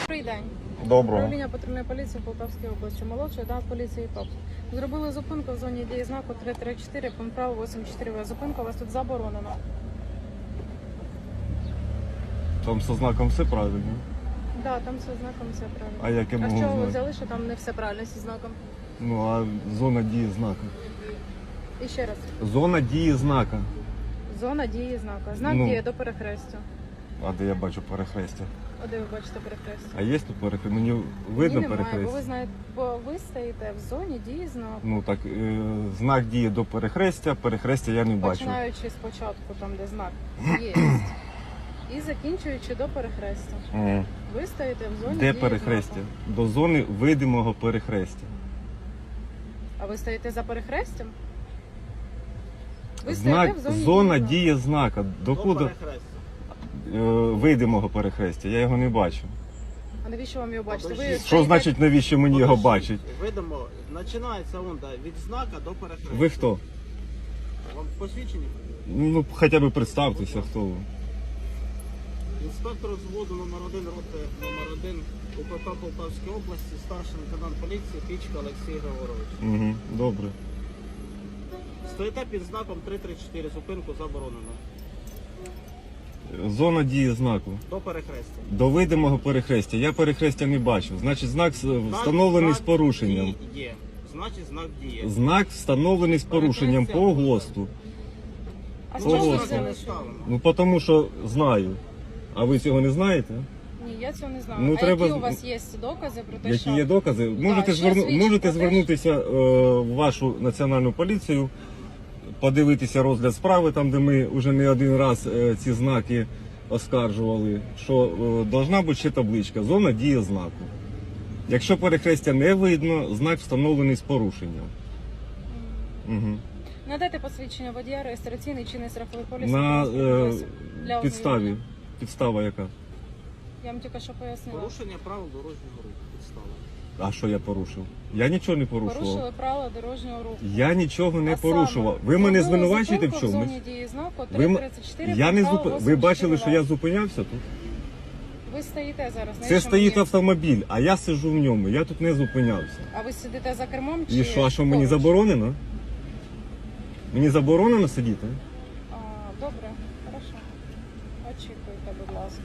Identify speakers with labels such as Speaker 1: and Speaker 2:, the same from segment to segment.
Speaker 1: Добрий день.
Speaker 2: Доброго.
Speaker 1: Управління патрульної поліції в Полтавській області. Молодший да, поліції ТОП. Зробили зупинку в зоні дії знаку 334, пункт право 84В. Зупинка у вас тут заборонена.
Speaker 2: Там со знаком все правильно.
Speaker 1: Да, там все знаком, все правильно.
Speaker 2: А як я
Speaker 1: А
Speaker 2: можу
Speaker 1: з чого ви
Speaker 2: знати?
Speaker 1: взяли, що там не все правильно зі знаком?
Speaker 2: Ну, а зона дії знака.
Speaker 1: І ще раз.
Speaker 2: Зона дії знака.
Speaker 1: Зона дії знака. Знак
Speaker 2: Ну.
Speaker 1: діє до перехрестя.
Speaker 2: А де я бачу перехрестя?
Speaker 1: А де ви бачите перехрестя?
Speaker 2: А є тут перехрестя? Мені видно
Speaker 1: Ні, немає, бо ви
Speaker 2: перехрестя?
Speaker 1: знаєте, бо ви стоїте в зоні дії знаку.
Speaker 2: Ну так, знак діє до перехрестя, перехрестя я не бачу.
Speaker 1: Починаючи спочатку, там де знак є, і закінчуючи до перехрестя. Ви стоїте в зоні
Speaker 2: Де
Speaker 1: дії
Speaker 2: перехрестя?
Speaker 1: знаку.
Speaker 2: До зони видимого перехрестя.
Speaker 1: А ви стоїте за перехрестям? Ви
Speaker 2: Знак,
Speaker 1: стоїте в зоні
Speaker 2: зона
Speaker 1: дії знаку.
Speaker 2: дії знака. Докуди видимого перехрестя? Я його не бачу.
Speaker 1: А навіщо вам його бачити? Ви
Speaker 2: Що
Speaker 1: стоїте-
Speaker 2: значить, навіщо мені його бачить?
Speaker 3: Видимо, починається он від знака до перехрестя.
Speaker 2: Ви хто?
Speaker 3: Вам посвідчені?
Speaker 2: Ну, хоча б представтеся, хто ви.
Speaker 3: Інспектор взводу номер 1 роти номер 1 УПП Полтавської області, старший лейтенант поліції Пічка Олексій Григорович.
Speaker 2: Угу, добре.
Speaker 3: Стоїте під знаком 334, зупинку заборонено.
Speaker 2: Зона дії знаку.
Speaker 3: До перехрестя.
Speaker 2: До видимого перехрестя. Я перехрестя не бачу. Значить, знак встановлений з порушенням.
Speaker 3: Є. Значить, знак діє.
Speaker 2: Знак встановлений з порушенням по ГОСТу.
Speaker 1: А з
Speaker 2: Ого.
Speaker 1: чого ви
Speaker 3: Знака
Speaker 1: взяли?
Speaker 3: не ставимо.
Speaker 2: Ну, тому що знаю. А ви цього не знаєте?
Speaker 1: Ні, я цього не знаю.
Speaker 2: Ну,
Speaker 1: а
Speaker 2: треба-
Speaker 1: які у вас є докази про те,
Speaker 2: Які
Speaker 1: що...
Speaker 2: є докази? Можете,
Speaker 1: що свідчить
Speaker 2: можете
Speaker 1: про те,
Speaker 2: звернутися в вашу національну поліцію, подивитися розгляд справи, там, де ми вже не один раз ці знаки оскаржували, що должна бути ще табличка «Зона дії знаку». Якщо перехрестя не видно, знак встановлений з порушенням. Угу.
Speaker 1: Надайте посвідчення водія, реєстраційний чинний страховий поліс.
Speaker 2: На
Speaker 1: для
Speaker 2: підставі.
Speaker 1: ознайомлення.
Speaker 2: Підстава яка?
Speaker 1: Я вам тільки що пояснила.
Speaker 3: Порушення правил дорожнього руху. Підстава.
Speaker 2: А що я порушив? Я нічого не порушував.
Speaker 1: Порушили правила дорожнього руху.
Speaker 2: Я нічого не
Speaker 1: А саме,
Speaker 2: порушував. Ви мене
Speaker 1: зробили
Speaker 2: звинувачуєте в
Speaker 1: зупинку
Speaker 2: чомусь?
Speaker 1: В зоні дії знаку
Speaker 2: Ви,
Speaker 1: 334,
Speaker 2: я не
Speaker 1: пункт
Speaker 2: зуп...
Speaker 1: правил
Speaker 2: Ви бачили, що я
Speaker 1: 84В.
Speaker 2: зупинявся тут?
Speaker 1: Ви стоїте зараз.
Speaker 2: Це
Speaker 1: навіщо
Speaker 2: стоїть
Speaker 1: мені?
Speaker 2: автомобіль, а я сиджу в ньому. Я тут не зупинявся.
Speaker 1: А ви сидите за кермом чи
Speaker 2: І що, а що мені
Speaker 1: поруч?
Speaker 2: заборонено? Мені заборонено сидіти?
Speaker 1: А, добре, хорошо. Очікуйте, будь ласка.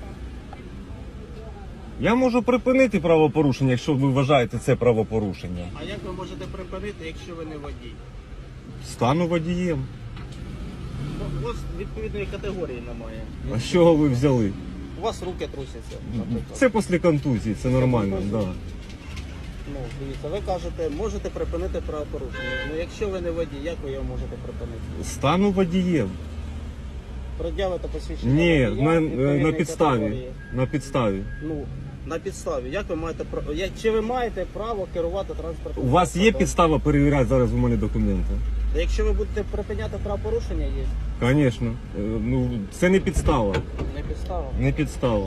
Speaker 2: Я можу припинити правопорушення, якщо ви вважаєте це правопорушення.
Speaker 3: А як ви можете припинити, якщо ви не водій?
Speaker 2: Стану водієм.
Speaker 3: У вас відповідної категорії немає.
Speaker 2: А з чого ви взяли?
Speaker 3: У вас руки трусяться, наприклад.
Speaker 2: Це після контузії, це нормально.
Speaker 3: контузії?
Speaker 2: Да.
Speaker 3: Ну, дивіться, ви кажете, можете припинити правопорушення. Ну, якщо ви не водій, як ви його можете припинити?
Speaker 2: Стану водієм.
Speaker 3: Пред'явите посвідчення
Speaker 2: Ні,
Speaker 3: водія
Speaker 2: на
Speaker 3: відповідної
Speaker 2: підставі.
Speaker 3: категорії.
Speaker 2: На підставі.
Speaker 3: Ну, на підставі. Як ви маєте право? Чи ви маєте право керувати транспортом?
Speaker 2: У вас є підстава перевіряти зараз у мене документи?
Speaker 3: Якщо ви будете припиняти правопорушення, є.
Speaker 2: Звісно. Ну, це не підстава.
Speaker 3: Не підстава.
Speaker 2: Не підстава.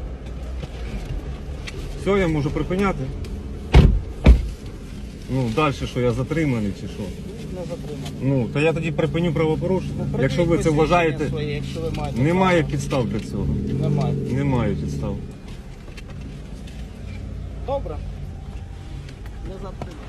Speaker 2: Все, я можу припиняти. Ну, далі що, я затриманий чи що?
Speaker 3: Не затримано.
Speaker 2: Ну, то я тоді припиню правопорушення. Якщо ви це
Speaker 3: Припиніть
Speaker 2: вважаєте,
Speaker 3: посвідчення своє, якщо ви маєте
Speaker 2: немає
Speaker 3: право.
Speaker 2: підстав для цього.
Speaker 3: Немає.
Speaker 2: Немає підстав.
Speaker 3: Добре. Не затримано.